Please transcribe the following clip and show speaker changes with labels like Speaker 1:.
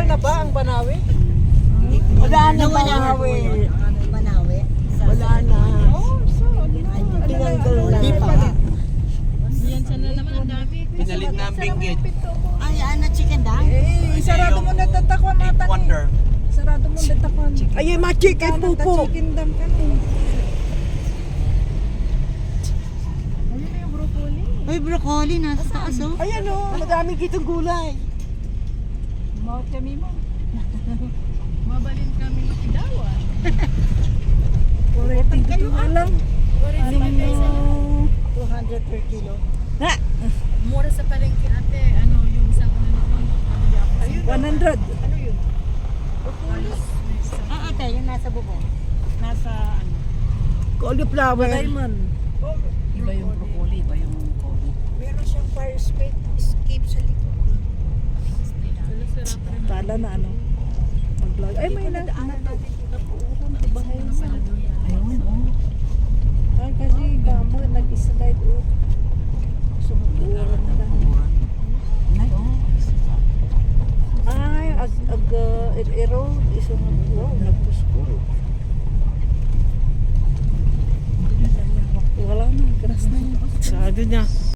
Speaker 1: na ba ang Banawe?
Speaker 2: Wala na Banawe. Banawe? Wala na. Tinanggal na. Di pa.
Speaker 3: Yan siya na naman ang dami.
Speaker 4: Pinalit na ang binggit.
Speaker 2: Ay, ano, chicken dang?
Speaker 1: Sarado mo na tatakwan
Speaker 4: Eight
Speaker 1: mata
Speaker 4: Wonder.
Speaker 1: Sarado mo na tatakwan.
Speaker 5: Ay, mga chicken pupo.
Speaker 1: Chicken dam ka na. Ayun na yung broccoli.
Speaker 2: Ay, broccoli, nasa taas, oh.
Speaker 5: Ayan o, madaming kitang gulay.
Speaker 1: Mawat kami mo.
Speaker 3: Mabalin kami makidawa.
Speaker 1: 42 na lang.
Speaker 2: 200 per kilo.
Speaker 3: Mura sa palengke ate. Ano yung isang ano naman.
Speaker 1: Ayun. 100. Ano yun?
Speaker 2: Ah, ate, yung nasa bubong. Nasa, ano.
Speaker 5: Cauliflower.
Speaker 1: Diamond.
Speaker 4: Iba yung broccoli, iba yung kobe.
Speaker 1: Meron siyang fire escape sa likod. Kala na ano. Mag-vlog. Ay, may na.
Speaker 4: Ayun, oh.
Speaker 1: Ay, kasi gamo, nag-slide o. Sumuturan na lang.
Speaker 4: Ay, oh.
Speaker 1: Ay, erode. Isang, wow, nagpuskul. Wala na, grass na yun.
Speaker 5: Sabi niya.